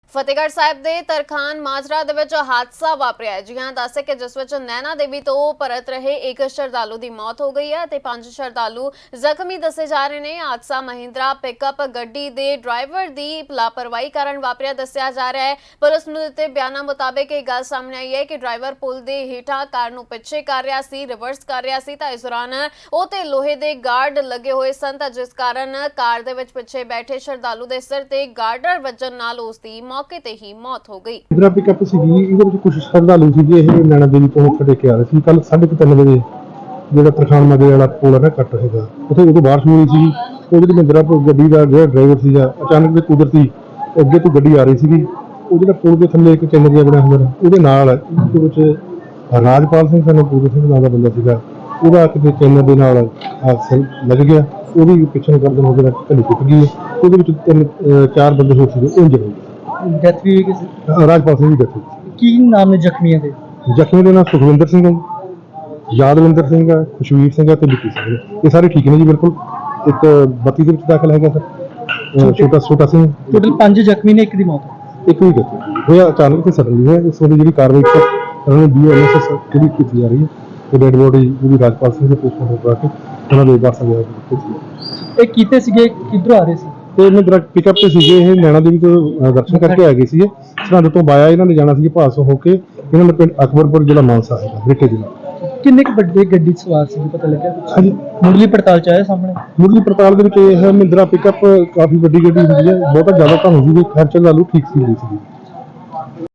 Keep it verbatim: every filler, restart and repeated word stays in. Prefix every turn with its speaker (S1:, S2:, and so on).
S1: ਫਤਿਹਗੜ੍ਹ ਸਾਹਿਬ ਦੇ ਤਰਖਾਨ ਮਾਜਰਾ ਦੇ ਵਿੱਚ ਹਾਦਸਾ ਵਾਪਰਿਆ ਹੈ। ਜੀ ਹਾਂ, ਦੱਸੇ ਕਿ ਜਿਸ ਵਿੱਚ ਨੈਣਾ ਦੇਵੀ ਤੋਂ ਪਰਤ ਰਹੇ ਇੱਕ ਸ਼ਰਧਾਲੂ ਦੀ ਮੌਤ ਹੋ ਗਈ ਹੈ ਤੇ ਪੰਜ ਸ਼ਰਧਾਲੂ ਜ਼ਖਮੀ ਦੱਸੇ ਜਾ ਰਹੇ ਨੇ। ਹਾਦਸਾ ਮਹਿੰਦਰਾ ਪਿਕਅਪ ਗੱਡੀ ਦੇ ਡਰਾਈਵਰ ਦੀ ਲਾਪਰਵਾਹੀ ਕਾਰਨ ਵਾਪਰਿਆ ਦੱਸਿਆ ਜਾ ਰਿਹਾ ਹੈ। ਪੁਲਿਸ ਨੂੰ ਦਿੱਤੇ ਬਿਆਨਾਂ ਮੁਤਾਬਕ ਇਹ ਗੱਲ ਸਾਹਮਣੇ ਆਈ ਹੈ ਕਿ ਡਰਾਈਵਰ ਪੁਲ ਦੇ ਹੇਠਾਂ ਕਾਰ ਨੂੰ ਪਿੱਛੇ ਕਰ ਰਿਹਾ ਸੀ, ਰਿਵਰਸ ਕਰ ਰਿਹਾ ਸੀ ਤਾਂ ਇਸ ਦੌਰਾਨ ਉਹ ਤੇ ਲੋਹੇ ਦੇ ਗਾਰਡ ਲੱਗੇ ਹੋਏ ਸਨ ਤਾਂ ਜਿਸ ਕਾਰਨ ਕਾਰ ਦੇ ਵਿੱਚ ਪਿੱਛੇ ਬੈਠੇ ਸ਼ਰਧਾਲੂ ਦੇ ਸਿਰ ਤੇ ਗਾਰਡਰ ਵੱਜਣ ਨਾਲ ਉਸ ਦੀ ਮੌਕੇ ਤੇ ਹੀ ਮੌਤ ਹੋ ਗਈ।
S2: ਇਧਰ ਪਿਕਅਪ ਸੀਗੀ, ਇਹਦੇ ਵਿੱਚ ਕੁਝ ਸ਼ਰਧਾਲੂ ਸੀਗੇ। ਇਹ ਨੈਣਾ ਦੇਵੀ ਤੋਂ ਮੱਥਾ ਟੇਕ ਕੇ ਆ ਰਹੇ ਸੀ। ਕੱਲ ਸਾਢੇ ਕੁ ਤਿੰਨ ਵਜੇ ਜਿਹੜਾ ਤਰਖਾਨ ਮਾਜਰੇ ਵਾਲਾ ਪੁਲ ਹੈ ਨਾ ਕੱਟ ਹੈਗਾ, ਉੱਥੇ ਉਦੋਂ ਬਾਰਿਸ਼ ਹੋਈ ਸੀ। ਉਹ ਜਿਹੜੀ ਮਹਿੰਦਰਾ ਗੱਡੀ ਦਾ ਜਿਹੜਾ ਡਰਾਈਵਰ ਸੀਗਾ, ਅਚਾਨਕ ਦੇ ਕੁਦਰਤੀ ਅੱਗੇ ਤੋਂ ਗੱਡੀ ਆ ਰਹੀ ਸੀਗੀ। ਉਹ ਜਿਹੜਾ ਪੁਲ ਦੇ ਥੱਲੇ ਇੱਕ ਚੈਨਲ ਜਿਹਾ ਬਣਿਆ ਹੁੰਦਾ, ਉਹਦੇ ਨਾਲ ਉਹਦੇ ਵਿੱਚ ਰਾਜਪਾਲ ਸਿੰਘ ਸਾਨੂੰ ਪੂਰਨ ਸਿੰਘ ਨਾਂ ਦਾ ਬੰਦਾ ਸੀਗਾ, ਉਹਦਾ ਕਿਤੇ ਚੈਨਲ ਦੇ ਨਾਲ ਹਾਦਸਾ ਲੱਗ ਗਿਆ। ਉਹਦੀ ਪਿੱਛੇ ਨੂੰ ਕਰਦੇ ਉਹਦੇ ਨਾਲ ਢਲੀ ਟੁੱਟ ਗਈ। ਉਹਦੇ ਵਿੱਚ ਤਿੰਨ ਚਾਰ ਬੰਦੇ ਹੋ ਸੀਗੇ, ਉਹ ਇੰਜਰ ਹੋ ਗਏ।
S3: ਡੈਥ ਵੀ ਹੋਈ ਕਿਸੇ
S2: ਰਾਜਪਾਲ ਸਿੰਘ ਦੀ ਡੈਥ ਹੋਈ।
S3: ਕੀ ਨਾਮ ਨੇ ਜ਼ਖਮੀਆਂ ਦੇ?
S2: ਜ਼ਖਮੀ ਦੇ ਨਾਲ ਸੁਖਵਿੰਦਰ ਸਿੰਘ ਹੈ, ਯਾਦਵਿੰਦਰ ਸਿੰਘ ਹੈ, ਖੁਸ਼ਵੀਰ ਸਿੰਘ ਹੈ ਤੇ ਵਿੱਕੀ ਸਿੰਘ ਹੈ। ਇਹ ਸਾਰੇ ਠੀਕ ਨੇ ਜੀ, ਬਿਲਕੁਲ। ਇੱਕ ਬੱਤੀ ਦੇ ਵਿੱਚ ਦਾਖਲ ਹੈਗਾ ਸਰ, ਛੋਟਾ ਛੋਟਾ ਸਿੰਘ।
S3: ਟੋਟਲ ਪੰਜ ਜ਼ਖਮੀ ਨੇ, ਇੱਕ ਦੀ ਮੌਤ।
S2: ਇੱਕ ਵੀ ਗੱਤੀ ਹੋਇਆ ਅਚਾਨਕ ਤੇ ਸਡਨਲੀ ਹੋਇਆ। ਇਸ ਵੇਲੇ ਜਿਹੜੀ ਕਾਰਵਾਈ ਉਹਨਾਂ ਨੇ ਬੀ ਐਮ ਐਸ ਜਿਹੜੀ ਕੀਤੀ ਜਾ ਰਹੀ ਹੈ, ਤੇ ਡੈਡ ਬੋਡੀ ਜਿਹੜੀ ਰਾਜਪਾਲ ਸਿੰਘ ਦੇ ਪੋਸਟਮਾਰਟਮ ਕਰਾ ਕੇ ਉਹਨਾਂ ਦੇ ਵਾਰਸਾਂ ਦੇ
S3: ਇਹ ਕੀਤੇ ਸੀਗੇ, ਕਿੱਧਰੋਂ ਆ ਰਹੇ ਸੀ?
S2: ਤੇ ਇਹਨਾਂ ਦਰਖਤ ਪਿਕਅਪ ਤੇ ਸੀਗੇ। ਇਹ ਨੈਣਾ ਦੇਵੀ ਤੋਂ ਦਰਸ਼ਨ ਕਰਕੇ ਆ ਗਏ ਸੀਗੇ। ਸਰਹੰਦ ਤੋਂ ਬਾਇਆ ਇਹਨਾਂ ਨੇ ਜਾਣਾ ਸੀ ਭਾਸ ਹੋ ਕੇ। ਇਹਨਾਂ ਨੇ ਪਿੰਡ ਅਕਬਰਪੁਰ ਜ਼ਿਲ੍ਹਾ ਮਾਨਸਾ ਹੈਗਾ, ਬ੍ਰਿਟੇ ਜ਼ਿਲ੍ਹਾ।
S3: ਕਿੰਨੇ ਕੁ ਵੱਡੇ ਗੱਡੀ 'ਚ ਸਵਾਰ ਸੀ, ਪਤਾ ਲੱਗਿਆ?
S2: ਹਾਂਜੀ,
S3: ਮੁੱਢਲੀ ਪੜਤਾਲ 'ਚ ਆਇਆ ਸਾਹਮਣੇ?
S2: ਮੁੱਢਲੀ ਪੜਤਾਲ ਦੇ ਵਿੱਚ ਇਹ ਮਹਿੰਦਰਾ ਪਿਕਅਪ ਕਾਫੀ ਵੱਡੀ ਗੱਡੀ ਹੁੰਦੀ ਹੈ, ਬਹੁਤਾ ਜ਼ਿਆਦਾ ਤਾਂ ਹੁੰਦੀ ਹੈ। ਖਰਚਾ ਲਾਲੂ ਠੀਕ ਸੀ ਸੀ